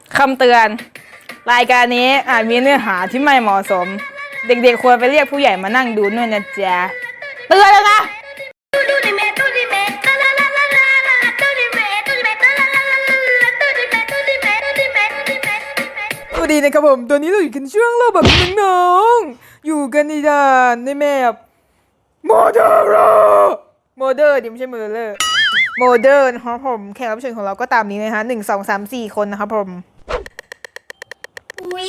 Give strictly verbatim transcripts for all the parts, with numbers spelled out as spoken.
คำเตือนรายการนี้อาจมีเนื้อหาที่ไม่เหมาะสมเด็กๆควรไปเรียกผู้ใหญ่มานั่งดูด้วยนะจ๊ะเตือนแล้วนะสวัสดีนะครับผมตอนนี้เราอยู่กันช่วงเราแบบน้องๆอยู่กันในด่านในแมปโมเดอร์โมเดอร์ดิไม่ใช่โมเดอร์โมเดอร์นะครับผมแขกรับเชิญของเราก็ตามนี้นะคะหนึ่งสองสามสี่คนนะครับผมอุ้ย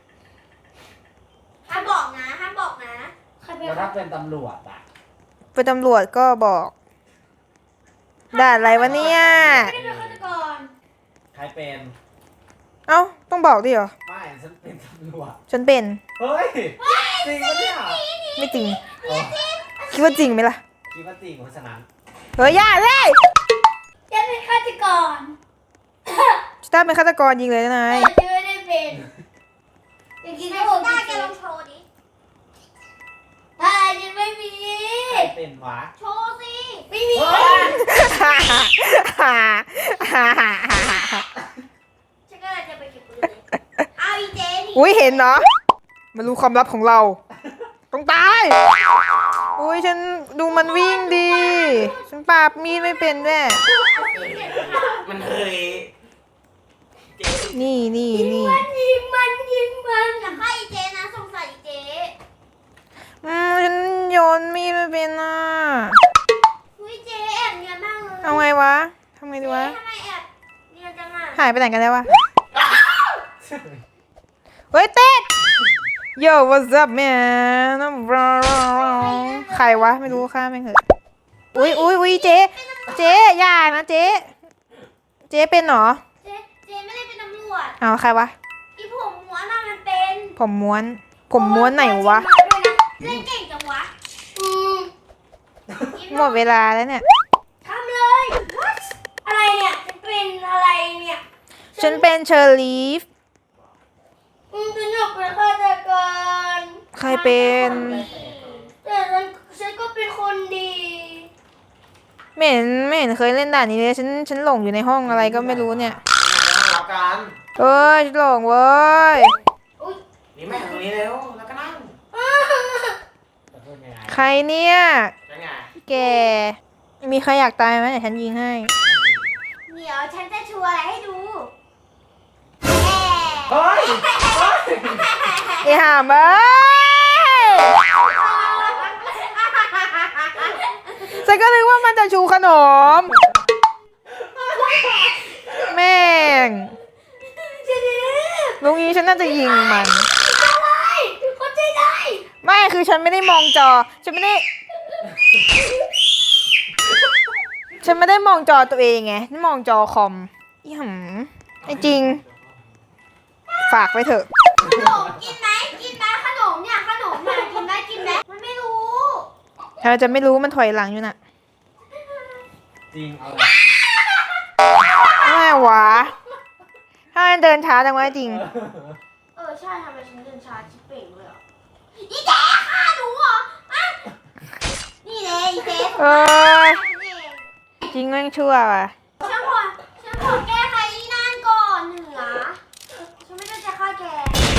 ห้ามบอกนะห้ามบอกนะใครเป็นแล้วถ้าเป็นตำรวจอ่ะเป็นตำรวจก็บอกด่านอะไรวะเนี่ยไม่ได้เป็นฆาตกรใครเป็นเอ้าต้องบอกดิเหรอไม่ฉันเป็นตำรวจฉันเป็นเฮ้ยจริงปะเนี่ยไม่จริงอ๋อคิดว่าจริงไหมล่ะคิดว่าจริงเพราะฉะนั้นเฮ้ยอย่าเลยจะเป็นฆาตกรชิต้าเป็นฆาตกรยิงเลยนะนายแต่จะไม่ได้เป็นอย่ากินให้ผมได้แกลองโชว์ดิอ่ายังไม่มีใครเป็นวะโชว์สิไม่มีเฮ้ยฉันก็เลยจะไปเก็บปืนเลยเอาอีเจนี่อุ้ยเห็นเนาะมารู้ความลับของเราต้องตายอุ้ยฉันดูมันวิ่งดีฉันปราบมีดไม่เป็นด้วยมันเคยนี่นี่นี่มันยิงมันยิงมันอย่าฆ่าอีเจนะสงสัยอีเจอืมฉันโยนมีดไม่เป็นอ่ะอุ้ยเจแอบเนียนมากเลยเอาไงวะทำไงดีวะทำไมแอบเนียนจังอ่ะหายไปไหนกันแล้ววะเฮ้ยเต้น Yo what's up man ใครวะไม่รู้ข้าไม่เหอะอุ้ยอุ้ยอุ้ยเจ๊เจ๊อย่านะเจ๊เจ๊เป็นเหรอเจเจไม่ได้เป็นตำรวจเอาใครวะอีผมม้วนน่ะมันเป็นผมม้วน ผมม้วนไหนวะเล่นเก่งจังวะอืมหมดเวลาแล้วเนี่ยทำเลย What อะไรเนี่ยจะเป็นอะไรเนี่ยฉันเป็นเชอร์ลีฟอืมฉันอยากเป็นฆาตกรใครเป็นแต่ฉันฉันก็เป็นคนดีไม่เห็นไม่เห็นเคยเล่นด่านนี้เลยฉันฉันหลงอยู่ในห้องอะไรก็ไม่รู้เนี่ยรับกันเอ้ยฉันหลงเว้ยอุ้ยนี่แม่ตรงนี้เร็วแล้วก็นั่งจะพูดยังไงใครเนี่ยยังไงแกมีใครอยากตายไหมเดี๋ยวฉันยิงให้เดี๋ยวฉันจะชูอะไรให้ดูเฮ้ยเฮ้ยไอ้ห่าเอ้ยฉันก็นึกว่ามันจะชูขนม แม่งเจ๊ดิลุงนี้ฉันน่าจะยิงมันอะไรคนใจได้ไม่คือฉันไม่ได้มองจอ ฉันไม่ได้ ฉันไม่ได้มองจอตัวเองไงฉันมองจอคอมอีหำไอ้จริง ฝากไว้เถอะขนมกินไหมกินไหมขนมเนี่ยขนมเนี่ยกินไหมกินไหมมันไม่รู้เธอจะไม่รู้มันถอยหลังอยู่น่ะจริงเอาไม่วะ ถ้ามันเดินช้าจังวะจริงเออใช่ทำไมฉันเดินช้าชิบเป่งเลยอ่ะอีเจ๊ฆ่าหนูเหรออ่ะนี่เลยอีเจ๊เอ้ยฉันเองจริงแม่งชั่วว่ะฉันขอฉันขอแก้ไขอีนั่นก่อนเหนือฉันไม่ได้จะฆ่าแก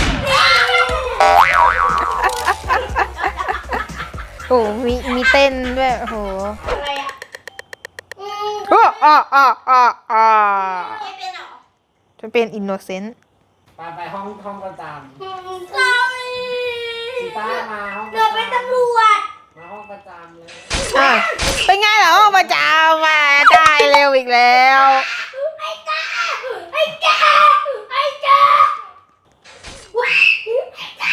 โอ้มีมีเต้นด้วยโอ้โหอะไรอ่ะอืมอ้ออ้ออ้ออ้ออ้อเจ๊เป็นเหรอฉันเป็นอินโนเซนต์ไปไปห้องห้องประจอืม sorry ำซีต้ามาห้องประเดี๋ยวเป็นจำตำรวจมาห้องประจำเลยอ่ะเป็นไงเหรอมาจ้ามาได้เร็วอีกแล้วไอ้กาไอ้กาไอ้กาว้ายไอ้กา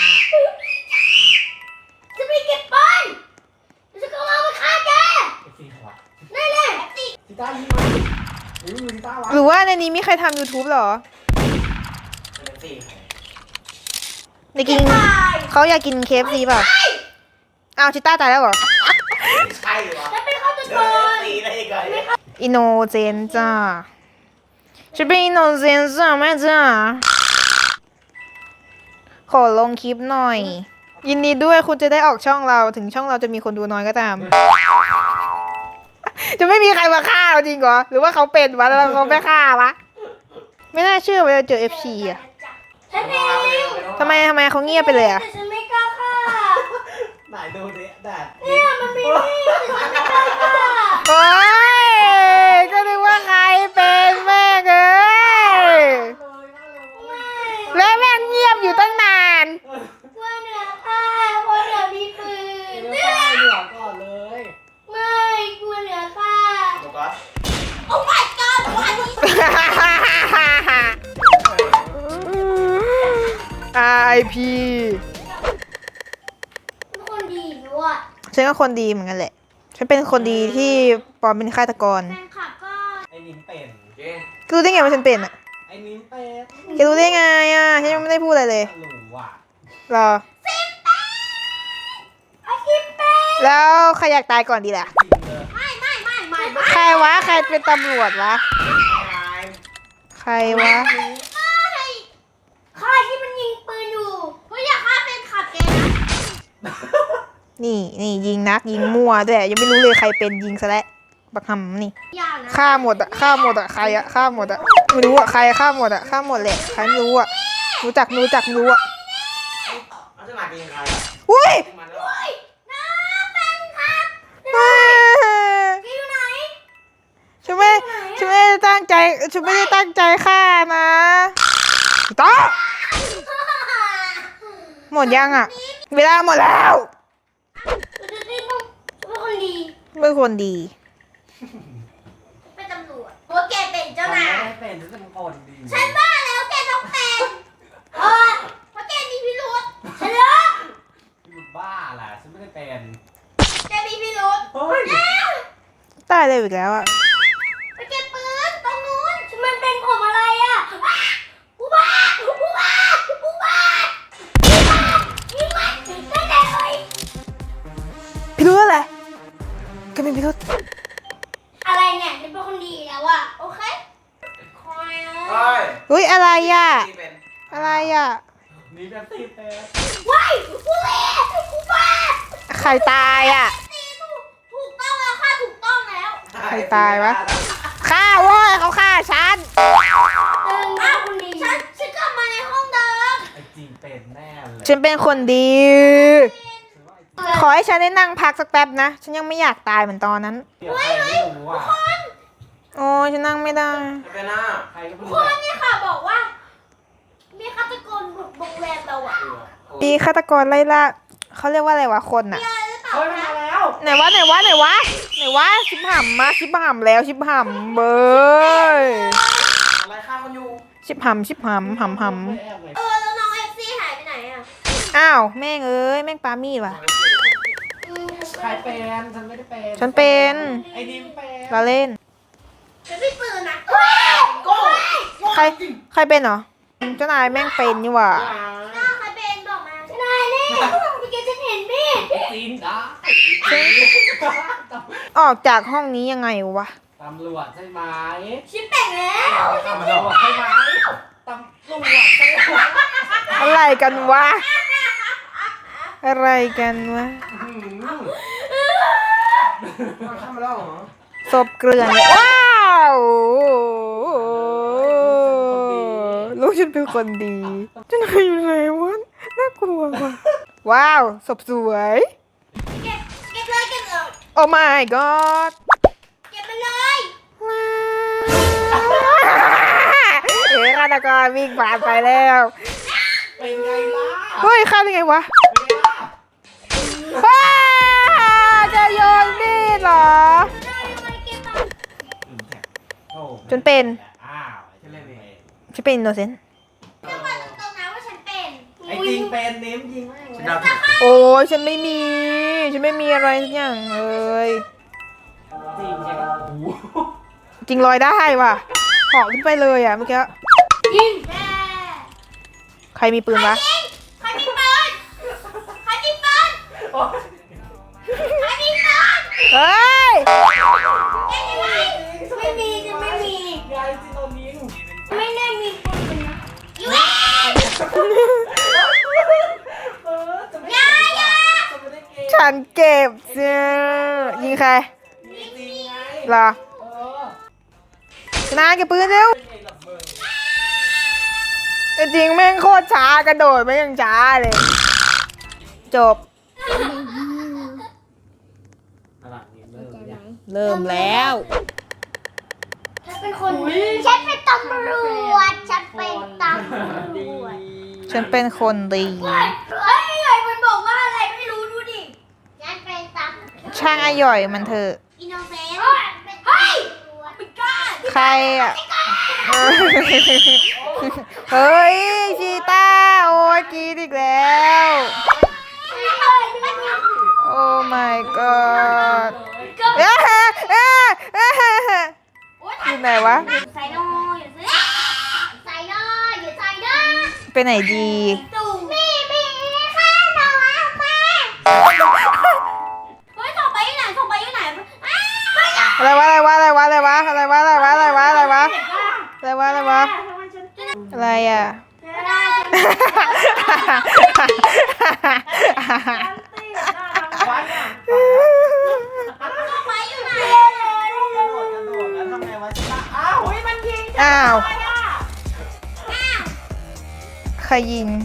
จะไปเก็บปืนจะก็เอาไปฆ่าแกไอ้ซีหัวนั่นแหละสิซีต้ายิงมาหรือมือซีต้าวะหรือว่าในนี้มีใครทำ YouTube เหรอเป็นซีใครในกินเขาอยากกิน เค เอฟ ซี เปล่าอ้าวชิต้าตายแล้วเหรอไม่ใช่วะจะเป็นฆาตเดิกนรซีได้ยังไงอินโนเซนต์จ้าฉันเป็นอินโนเซนต์จ้าแม่จ้าขอลงคลิปหน่อย ยินดีด้วยคุณจะได้ออกช่องเราถึงช่องเราจะมีคนดูน้อยก็ตาม จะไม่มีใครมาฆ่าเราจริงเหรอหรือว่าเขาเป็นวะแล้วเขาไม่ฆ่าวะไม่น่าเชื่อว่าจะเจอ เอฟ ซี อ่ะฉันเองทำไมทำไมเขาเงียบไปเลยอ่ะแต่ฉันไม่กล้าฆ่าไหนดูดิแดดเนี่ยมันมีมีดแต่ฉันไม่กล้าฆ่าโอ้ยก็นึกว่าใครเป็นแม่งเอ้ยแล้วแม่งเงียบอยู่ตั้งนานกลัวเหนือฆ่าเพราะเหนือมีปืนเดี๋ยวไปเหนือก่อนเลยไม่กลัวเหนือฆ่าโฟกัสโอ้ my god วันนี้อาร์ ไอ พีเป็นคนดีด้วยฉันก็คนดีเหมือนกันแหละ ฉันเป็นคนดีที่ปลอมเป็นฆาตกรแฟนคลับก็ไอ้นิ้มเป็นเจ๊รู้ได้ไงว่าฉันเป็นอ่ะไอ้นิ้มเป็นแกรู้ได้ไงอ่ะ ฉันยังไม่ได้พูดอะไรเลยหลูว่ะรอไอคิปเป้แล้วใครอยากตายก่อนดีล่ะจริงเลยไม่ไม่ไม่ไม่ไม่ใครวะ ใครเป็นตำรวจวะตายใครวะไม่ฆ่าที่มันยิงปืนอยู่เฮ้ยอย่าฆ่าแฟนคลับแกนะนี่นี่ยิงนักยิงมั่วด้วยยังไม่รู้เลยใครเป็นยิงซะแล้วบักหำนี่อย่านะฆ่าหมดอะฆ่าหมดอะใครอะฆ่าหมดอะไม่รู้อะใครฆ่าหมดอะฆ่าหมดแหละใครไม่รู้อะรู้จักรู้จักรู้อะเอาจะหนักยังไงอ่ะอุ้ยจริงมันแล้วเฮ้ยน้าแฟนคลับเอ้ยแกอยู่ไหนฉันไม่ฉันไม่ได้ตั้งใจฉันไม่ได้ตั้งใจฆ่านะต่อหมดยังอะเวลาหมดแล้วเราจะได้ต้องเป็นคนดีเป็นคนดีเป็นตำรวจเพราะแกเป็นเจ้านายไม่ได้เป็นฉันจะเป็นคนดีฉันบ้าแล้วแกต้องเป็นเออเพราะแกมีพิรุษฉันเลิกอยู่บ้าแหละฉันไม่ได้เป็นแกมีพิรุษเฮ้ยตายเลยอีกแล้วอะไปเก็บปืนตรงนู้นมันเป็นผมอะไรอ่ะอุบาทอุบาทอุบาทอุบาทยิงมันได้แต่เอ้ยพิรุธอะไรก็ไม่พิรุธอะไรเนี่ยฉันเป็นคนดีแล้วอ่ะโอเคคอยนะเฮ้ยอุ้ยอะไรอะนี่เป็นอะไรอะนี่เป็นตีเป็นว้ายอุบาทอุบาทใครตายอะตีถูกถูกต้องแล้วค่ะถูกต้องแล้วใครตายวะ ฆ่าเว้ยเขาฆ่าฉันเดินหน้าคนดีฉันฉันกลับมาในห้องเดิมไอ้จริงเป็นแน่เลยฉันเป็นคนดีฉันว่าไอ้ขอให้ฉันได้นั่งพักสักแป๊บนะ ฉันยังไม่อยากตายเหมือนตอนนั้นเดี๋ยวใครไม่รู้อ่ะโอ้ยฉันนั่งไม่ได้จะเป็นหน้าใครก็ไม่ครู้นเนี่ยค่ะบอกว่า มีฆาตกรบุกโรงแรมเราอ่ะปีฆาตกรไล่ล่าเขาเรียกว่าอะไรวะคนอะมีอะไรหรือเปล่าเฮ้ยมันคะมาแล้วไหนวะไหนวะไหนวะไหนวะชิบหำมาชิบหำแล้วชิบหำเบยอะไรฆ่าคนอยู่ชิบหำชิบหำหำหไม่แอบเลยเออแล้วน้องเอฟซีหายไปไหนอ่ะำอ้าวแม่งเอ้ยแม่งปามีดว่ะอืมใครเป็นฉันไม่ได้เป็นฉันเป็นไอ้ดิมเป็นเราเล่นฉันไม่ปืนนะโก้ใครใครเป็นเหรอเจ้านายแม่งเป็นนี่หว่าหน้าใครเป็นบอกมาฉันนายแน่เมื่อกี้ฉันเห็นมีดไอ้จีนอ่ะออกจากห้องนี้ยังไงวะตำรวจใช่ไหมฉันแต่งแล้วตำรวจใช่ไหมตำรวจใช่ไหมอะไรกันวะ อะไรกันวะทำมาแล้วเหรอศพเกลื่อนเลยว้าวลูกฉันเป็นคนดีเจะนายอยู่ไหนวะน่ากลัวว่ะว้าวศพสวยเก็บเก็บเลยเก็บเลยโอ้ my god เก็บมันเลยเอ๋ฆาตกรวิ่งผ่านไปแล้วเป็นไงล่ะเฮ้ยฆ่าได้ไงวะเป็นไงล่ะว้าจะโยนมีดเหรอได้ทำไมเก็บมันโอ้จนเป็นอ้าวฉันเล่นเองฉันเป็นอินโนเซนต์ฉันบอกตรงๆนะว่าฉันเป็นไอ้จริงเป็นนิ้มยิงแม่งเลยโอ้ยฉันไม่มี ฉันไม่มีอะไรสักอย่างเลยจริงใช่ไหมโอ้โหจริงลอยได้ว่ะเหาะขึ้นไปเลยอ่ะเมื่อกี้ยิงแม่ใครมีปืนวะยิงใครมีปืนใครมีปืนโอ้ยใครมีปืนเฮ้ยเอ๊ะยังไงไม่มีจะไม่มียายจิโนมิงไม่ได้มีปืนนะอยู่เอ๊ะเออจะไม่อย่าอย่าจะไม่ได้เกมฉันเก็บเสื้อยิงใครจริงไงเหรอเออชนะเก็บปืนเร็วเป็นไงกับมึงจริงแม่งโคตรช้ากระโดดไม่ยังช้าเลย จบตลาดนี้เริ่มยังเริ่มแล้วฉันเป็นคนดีฉันเป็นตำรวจฉันเป็นตำรวจฉันเป็นคนดีเฮ้ยเฮ้ยไอ้มันบอกว่าอะไรไม่รู้ดูดิฉันเป็นตำรวจช่างอร่อยมันเถอะอินโนเซนต์เฮ้ยไม่กล้าใครอ่ะ เฮ้ยชีต้าโอ้ยกรีดอีกแล้ว โอ้ my god เอ๊ะเอ๊ะเอ๊ะอยู่ไหนวะใส่โน่อย่าซื้อใส่โน่อย่าใส่โน่ไปไหนดีตู่มีมีข้าหน่อยมาเฮ้ยส่งไปที่ไหนส่งไปที่ไหนอ้าวอะไรวะอะไรวะอะไรวะอะไรวะอะไรวะอะไรวะอะไรวะอะไรวะอะไรวะอะไรอ่ะไม่ได้วันอ่ะส่งไปอยู่ไหนกระโดดกระโดดแล้วทำไงวะชิต้าอ้าวเฮ้ยมันยิงอ้าวไปอ่ะใครยิง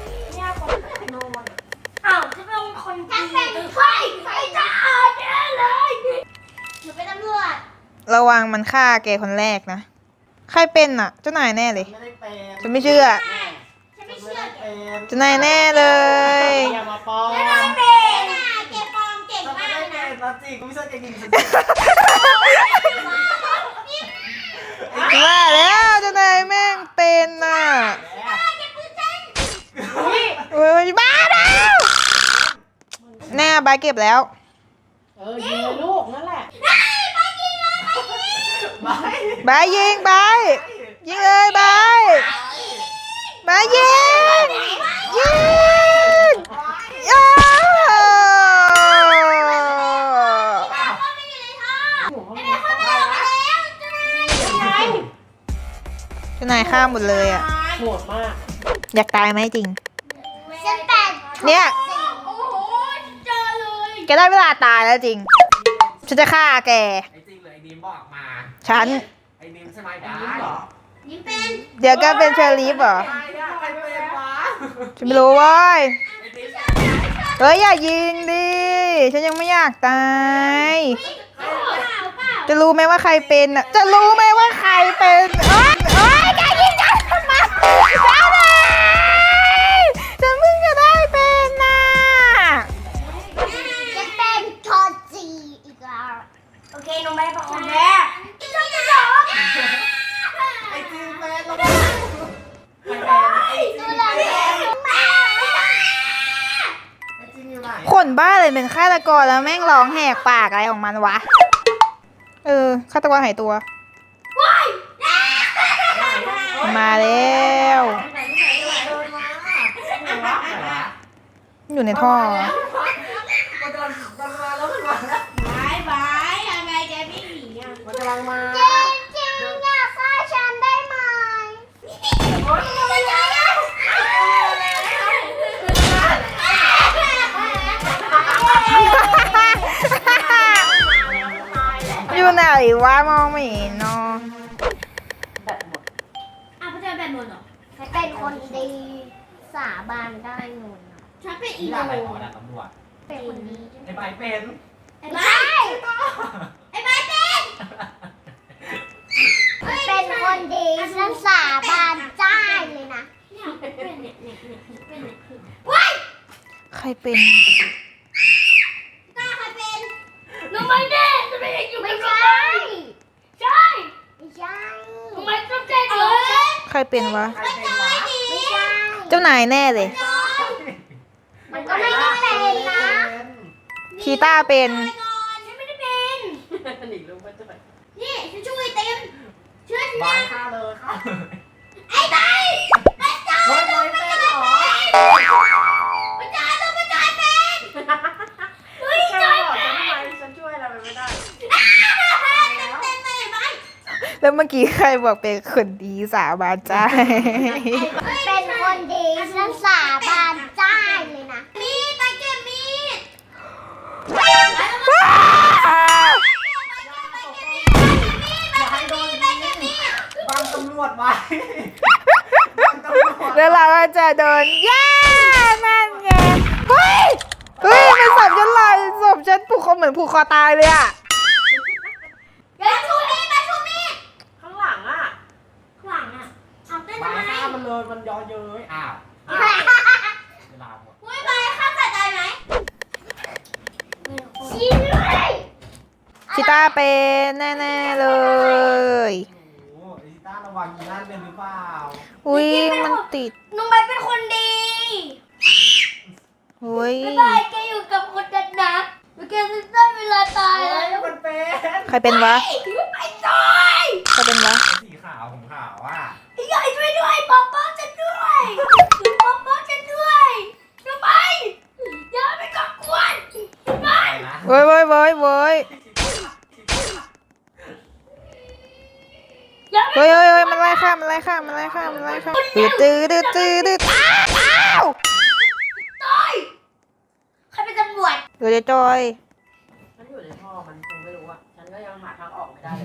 อ้าวจะเป็นคนดีเป็นใครใครจะอาแน่เลยหนูเป็นตำรวจระวังมันฆ่าแกคนแรกนะ ใครเป็นอ่ะ เจ้านายแน่เลยไม่ได้เป็นฉันไม่เชื่อฉันไม่ไม่เชื่อได้แกเป็นเจ้านายแน่เลยอย่ามาปลอมฉันไม่เป็นอ่ะแกปลอมเก่งฉันไม่มากได้เลยเป็นะนนะจริงกูไม่ใช่แกยิงฉันว่าแล้วเจ้านายแม่งเป็นน่ะเฮ้ยบ้าแล้วแน่บายเก็บแล้วเออยิงเลยลูกนั่นแหละไม่บายยิงบายยิงเลยบายบายยิงยิงอ้าวเจ้านายฆ่าหมดเลยอ่ะโหดมากอยากตายไหมจริงฉันแปดเนี่ยโอ้โหเจอเลยแกได้เวลาตายแล้วจริง ฉันจะฆ่าแกไอ้จริงเลยไอ้ดีมบอกมาฉันไอ้ดีมใช่ไหมได้เหรอยิ้มเป็นเดี๋ยวแกเป็นเชอร์ลีฟเหรอใครอะใครเป็นวะฉันไม่รู้เว้ยไอ้ดีมเฮ้ยอย่ายิงดิ ฉันยังไม่อยากตายเปล่าเปล่าจะรู้ไหมว่าใครเป็นอ่ะ จะรู้ไหมว่าใครเป็นเอ้ยเอ้ยแกยิงฉันทำไมเจ้าเลยฉันเพิ่งจะได้เป็นน่ะฉันเป็นทอจีอีกแล้วโอเคหนูไม่ได้ประคองแม่กินช่วยกันเหรอไอ้จริงเป็นแล้วก็ใครเป็นไอ้จริงดูแลเป็นแม่ไอ้จริงอยู่ไหนคนบ้าเลยเป็นฆาตกรแล้วแม่งร้องแหกปากอะไรของมันวะ เออฆาตกรหายตัวว้ายมาแล้วไหนไหนไหนเดินมาไหนวะไหนวะอยู่ในท่อมันกำลังมันมาแล้วมันมาแล้วบายบายทำไมแกไม่หนีอ่ะมันกำลังมาจริงจริงอยากฆ่าฉันได้ไหมไม่ได้อยู่ไหนวะมองไม่เห็นเนาะแบตหมดอ่ะพระเจ้าแบบนนเหรอฉันเป็นคนดีสาบานได้นนฉันเป็นอีนี่โนอะไรของระดับตำรวจเป็นคนดีไอ้ใบเป็นไอ้ใบไอ้ใบเป็นเป็นคนดีฉันสาบานได้เลยนะเนี่ยเป็นเนี่ยเนี่ยเนี่ยเป็นเนี่ยว้ายใครเป็นกล้าใครเป็นน้องไม่แน่จะไม่ได้อยู่ไม่ใช่ใช่ไม่ใช่ทำไมต้องใจเอ๋ยใครเป็นวะใครเป็นวะไม่ใช่เจ้านายแน่เลยมันก็ไม่ได้เป็นนะชีต้าเป็นไปก่อนฉันไม่ได้เป็นหนีลูกไปจะไปนี่ฉันช่วยเต็มเชื่อฉันใบนะฆ่าเลยฆ่าเลยไอ้ใบพระเจ้าเฮ้ยต้ใบองประเป็นจายเหรอเป็นพระเจ้าต้องประจายเป็นเฮ้ยแค่จอยบอกเป็ฉันนทำไมฉันช่วยอะไรไม่ได้เต็มเลยไหมแล้วเมื่อกี้ใครบอกเป็นคนดีสาบานใจเป็นคนดีฉันสาบานได้เลยนะมีดไปเก็บมีดอย่าให้โดนยิงบังตำรวจไว้บังตำรวจเแล้วเราก็จะโดนย่านั่นไงเฮ้ยเฮ้ยมันศพฉันลอยศพฉันผูกคอเหมือนผูกคอตายเลยอะอย่าชูมีดมาชูมีดข้างหลังอ่ะข้างหลังอ่ะเอาเต้นไปทำไมฆ่ามันเลยมันย้อเย้ยอ้าวอ้าวเวลาหมดอุ้ยไปข้ามสะใจไหมยิงเลยชิต้าเป็นแน่ๆเลยโอ้โหไอ้ต้าระวังยีน่าเป็นหรือเปล่าอุ้ยมันติดน้องใบเป็นคนดีอุ้ยบ๊ายบายแกอยู่กับคนดันนะแล้วแกจะได้เวลาตายเฮ้แล้วยมันเป็นใครเป็นวะไปจอยใครเป็นวะสีขาวผมขาวอ่ะพี่ใหญ่ช่วยด้วยป๊อปป๊อปจะด้วยป๊อปป๊อปจะด้วยทำไมอย่าไปก่อกวนทำไมไปนะเว้ยเว้ยเว้ยเว้ยอย่าไปเฮ้ยเฮ้ยเฮ้ยมันไล่ข้ามมันไล่ข้ามมันไล่ข้ามมันไล่ข้ามดืดดืดดืดดืดดืดอ้าวตายใครเป็นตำรวจเดี๋ยวจะจอยมันอยู่ในท่อ มันคงไม่รู้อ่ะ ฉันก็ยังหาทางออกไม่ได้เลย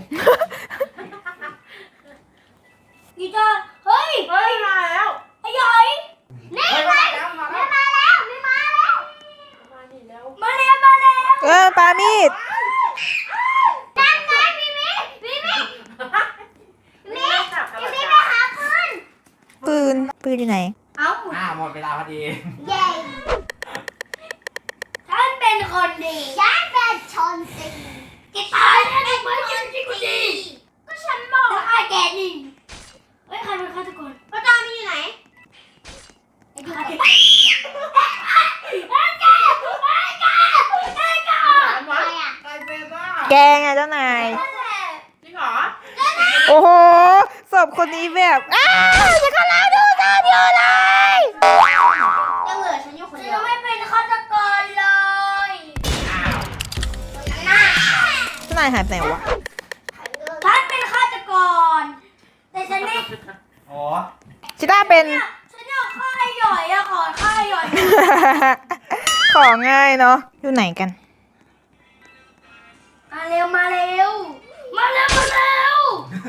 กีตาร์เฮ้ยเฮ้ย มาแล้วไอ้ใหญ่นี่เฮ้ยมามาแล้วมานี่แล้วมาแล้วนี่มาแล้วมานี่แล้วมาแล้วมาแล้วเออปามีดนั่นไงพี่มิพี่มินี่มิจับกันพี่แล้วมิจ้ะไปหาปืนปืนปืนอยู่ไหนเอ้าอ่าหมดเวลาพอดีเย้ฉันเป็นคนดีฉันเป็นชนสีกีตาร์ฉันเป็นคนดีก็ฉันบอกว่าแกนี่เฮ้ยใครเป็นฆาตกรป้าตามีอยู่ไหนไอ้ฆาตกรไอ้แกไอ้แกไอ้แกมันวะใครเป็นอ่ะแกไงเจ้านายนั่นแหละจริงเหรอโอ้โหศพคนนี้แบบอ้าวจะกำลังดูตามอยู่เลยยังเหลือฉันอยู่คนเดียวฉันไม่เป็นฆาตกรเลยอ้าวน่าเจ้านายหายไปไหนวะฉันเป็นฆาตกร แต่ฉันไม่อ๋อชิต้าเป็นฉันอยากฆ่าไอ้หย่อยอะขอฆ่าไอ้หย่อยของง่ายเนาะอยู่ไหนกันมาเร็วมาเร็ว มาเร็วมาเร็ว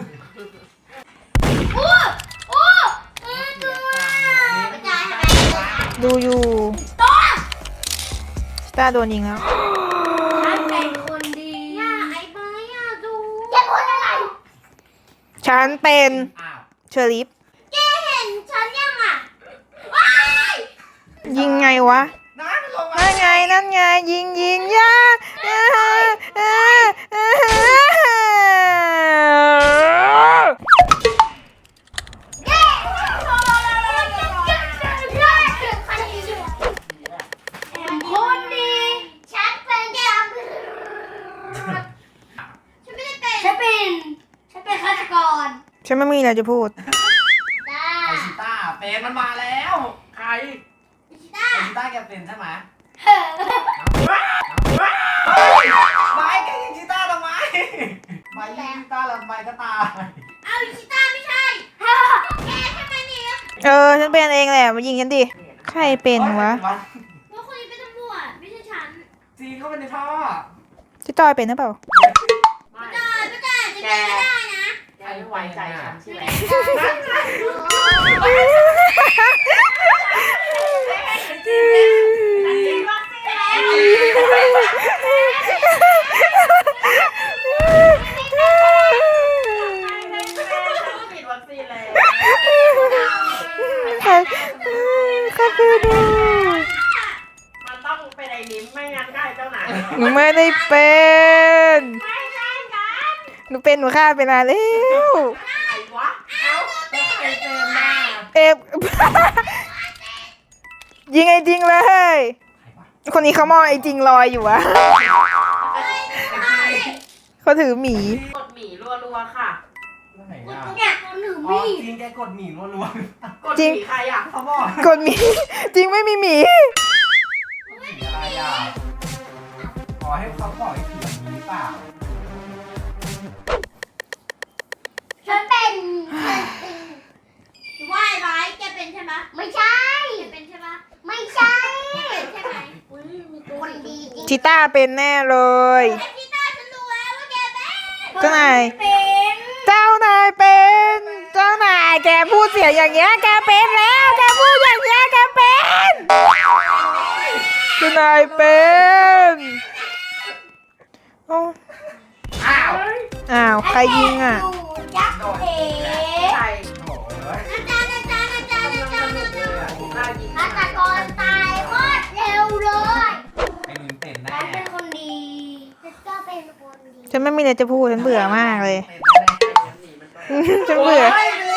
อู้อู้อือตัวกระจายให้ไหมดูอยู่ตัวชิต้าโดนยิงแล้วฉันเป็นคนดีย่าไอ้ไม้อะดูอย่าพูดอะไรฉันเป็นอ้าวเชอริฟแกเห็นฉันยังอะว้ายยิงไงวะน้ามันลงมานั่นไงนั่นไงยิงยิงยาอ่าอ่าอ่าเย้คนดีฉันเป็นแกฉันไม่ได้เป็นฉันเป็นฉันเป็นฆาตกรฉันไม่มีอะไรจะพูดจ้าไอชิต้าเป็นมันมาแล้วใครชิต้าไอชิต้าแกเป็นใช่ไหมเฮ้ยไม่แกยิงชิต้าทำไมไม่ยิงชิต้าแล้วไม่ก็ตายเอาชิต้าไม่ใช่แกใช่ไหมเนี่ยเออฉันเป็นเองแหละมายิงฉันดิใครเป็นวะว่าคนนี้เป็นตำรวจไม่ใช่ฉันจีเข้าไปในท่อชิจอยเป็นหรือเปล่าไม่จ้าไม่จ้าจะเป็นไม่ได้นะแกไม่ไว้ใจฉันใช่ไหม ฉีดวัคซีนแล้วใครใครคือดูมันต้องเป็นไอ้นิ้มไม่งั้นก็ไอ้เจ้าหนาหนูไม่ได้เป็นไม่ใช่กันหนูเป็นหนูฆ่าไปนานแล้วไอ้วะแล้วใครเป็นน่ะเอฟ ยิงไอ้จริงเลย คนนี้เขามองไอ้จริงลอยอยู่วะเขาถือหมีกดหมี่รัวๆค่ะแล้วไหนคุณอ่ะเนี่ยคนหนึ่งอ๋อมีจริงแกกดหมี่รัวกดหมี่ใครอ่ะๆเขาบอกกดหมี จริงไม่มีหมีหมี่อะไรอ่ะขอให้เขาบอกให้ถือหมี่หรือเปล่าฉันเป็นว่าไอ้ไม้แกเป็นใช่ไหมไม่ใช่แกเป็นใช่ไหมไม่ใช่ใช่ไหมอุ้ยมีตัวคนดีจริงชิต้าเป็นแน่เลยไอ้พี่ต้าฉันรู้แล้วว่าแกเป็นเจ้านายเป็นเจ้านายเป็น เจ้านายแกพูดเสียงอย่างเงี้ย แกเป็นแล้ว แกเจ้านายเป็นโอ้อ้าวอ้าวใครยิงอ่ะยักษ์เอ๋ใส่โอ้ยอาจารย์อาจารย์อาจารย์อาจารย์อาจารย์หน้ายิงฆาตกรตายโคตรเร็วเลยไอ้นิมเป็นแน่ฉันเป็นคนดีฉันก็เป็นคนดีฉันไม่มีอะไรจะพูดฉันเบื่อมากเลยเป็นแน่หนีมันไปฉันเบื่อ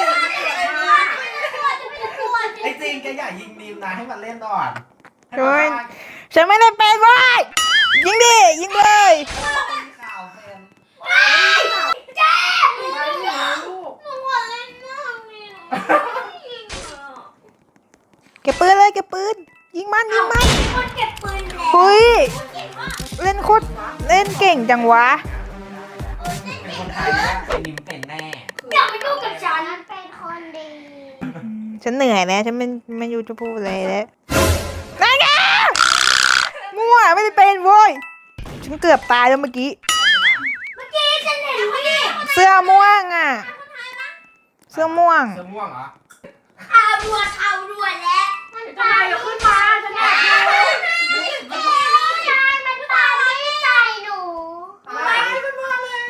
ไอ้จริงแกอย่ายิงนิมนะให้มันเล่นก่อนโอ้ย ฉันไม่ได้เป็นเว้ยยิงดิยิงเลยข่าวเป็นเจ๊ไม่รู้ลูกหนูหัวเล่นมากเลยยิงเหรอเก็บปืนเลยเก็บปืนยิงมันยิงมันคนเก็บปืนแล้วเฮ้ยเก่งมากเล่นโคตรเล่นเก่งจังวะเออเล่นเป็นเก่คงนไทมายนะกไอ้นิมเป็นแน่อย่าไปยุ่งกับฉันเป็นคนดีฉันเหนื่อยแล้วฉันไม่ไม่รู้จะพูดอะไรแล้วนั่นไงมั่วไม่ได้เป็นโว้ยฉันเกือบตายแล้วเมื่อกี้เมื่อกี้ฉันเห็นพี่เสื้อม่วงอ่ะ เสื้อม่วงเสื้อม่วงเหรอข่าวด่วนข่าวด่วนแล้วมันทำไมอย่าขึ้นมาฉันอยากดูมันตายมันตายไม่ใส่หนูไม่ขึ้นมาเลย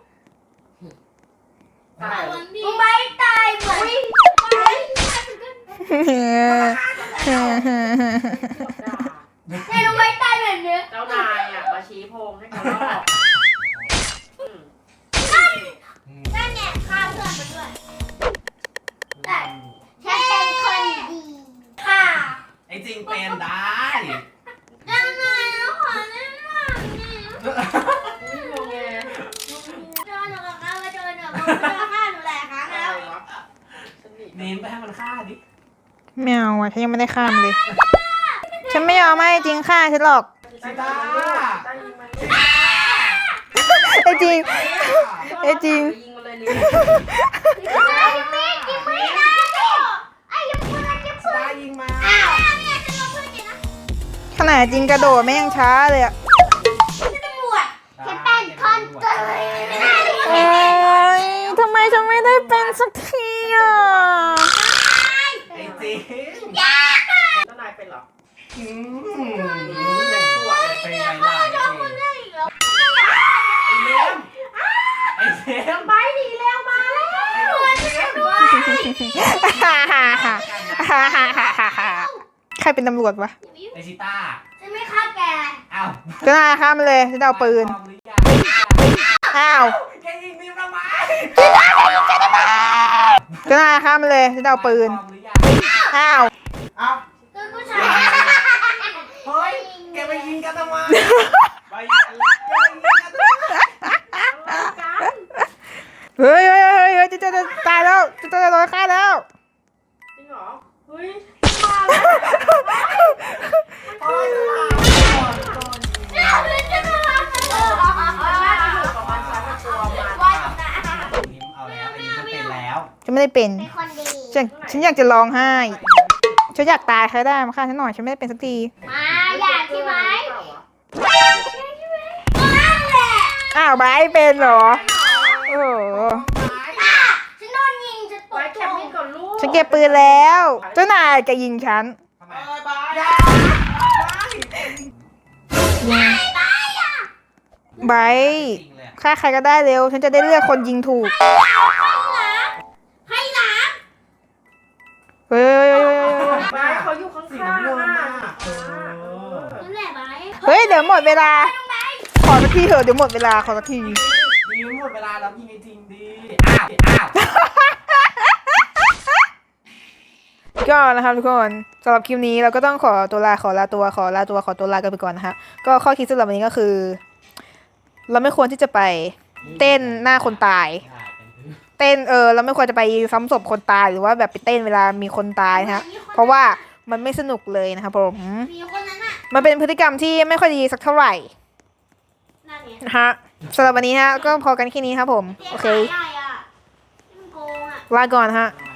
ตายมึงไม่ตายเหมือนไม่ เนี่ยรู้ไหมตายแบบนี้เจ้านายอ่ะมาชี้โพงให้เขาลอกนั่นเนี่ยฆ่าเพื่อนมันด้วยแต่ฉันเป็นคนดีค่ะไอ้จริงเป็นได้ยังไงแล้วขอเล่นหน่อยนี่ไม่งงแงเจอหนูกับเขามาเจอหนูเขาเจอฆ่าหนูหลายครั้งอะแล้วไรวะฉันหนีนิมไปให้มันฆ่าดิไม่เอาอ่ะฉันยังไม่ได้ข้ามเลย ฉันไม่ยอมให้จริงฆ่าฉันหรอกซิต้าได้ยิงมันไอ้จริง ไอ้จริงยิงมันเลยนี่ไอ้เมฆยิงไม่ได้ไอ้ยังปืนยังปืซิต้าน ยิงมาอ้าวเนี่ยจะลงพื้นกินนะขนาดจริงกระโดดไม่ยังช้าเลยอ่ะฉันตำรวจฉันเป็นคนเกิดโอ้ยทำไมฉันไม่ได้เป็นสักทีอ่ะไอ้จริงยาเจ้านายเป็นเหรออืมอย่างชั่วเลยเป็นไงล่ะไอ้จริงได้อีกแล้วไอ้เลี้ยมไอ้เลี้ยมไปดีแล้วมาแล้วด้วยใครเป็นตำรวจวะไอ้ซิต้าฉันไม่ฆ่าแกอ้าวก็น่าข้ามไปเลยฉันจะเอาปืนพร้อมหรือยังอ้าวแกยิงนิมทำไมก็น่าข้ามไปเลยฉันจะเอาปืนพร้อมหรือยังอ้าวเอ้าคือผู้ชายเฮ้ยแกไปยิงกันทำไมไปยิงกันแกไปยิงกันทำไมเฮ้ยเฮ้ยเฮ้ยเฮ้ยจะจะจะตายแล้วจะจะโดนฆ่าแล้วจริงเหรอ เฮ้ยโอ๊ยเราเล่นกันมาเออว่าจะอยู่กับมันฉันกับตัวมันว่านะนิมเอาแล้วไอ้นิมจะเป็นแล้วฉันไม่ได้เป็นเป็นคนดีฉันฉันอยากจะร้องไห้ฉันอยากตายใครได้มาฆ่าฉันหน่อยฉันไม่ได้เป็นสักทีมาอยากใช่ไหมนั่นแหละอ้าวไบร์ทเป็นเหรอโอ้โหอ่ะฉันโดนยิงฉันตไว้กแคมมิ่งก่อนลูกฉันเก็บปืนแล้วเจ้านายจะยิงฉันทำไมเอ้ยบายไบร์ทจริงเลยฆ่าใครก็ได้เร็ว ฉันจะได้เลือกคนยิงถูกให้น้เฮ้ยเฮ้ยเฮ้ยเฮ้ยเฮ้ยบายเขาอยู่ข้างสีๆน้ำเงินอ่ะน่ะเออำนั่นแหละไหมเฮ้ยเดี๋ยวหมดเวลา ขอสักทีเถอะเดี๋ยวหมดเวลาขอสักทีนิมหมดเวลาแล้วยิงไอ้จริงดิอ้าวอ้าวก็นะครับทุกคนสำหรับคลิปนี้เราก็ต้องขอตัวลาขอลาตัวขอลาตัวขอตัวลากันไปก่อนนะคะก็ข้อคิดสำหรับวันนี้ก็คือ เราไม่ควรที่จะไปเต้นหน้าคนตาย เต้นเออเราไม่ควรจะไปซ้ำศพคนตายหรือว่าแบบไปเต้นเวลามีคนตายนะฮะเพราะว่ามันไม่สนุกเลยนะครับผมมีคนนั้นอ่ะมันเป็นพฤติกรรมที่ไม่ค่อยดีสักเท่าไหร่นั่นไงนะฮะสำหรับวันนี้ฮะก็พอกันแค่นี้ครับผมโอเคใหญ่อ่ะมันโกงอ่ะลาก่อนฮะเ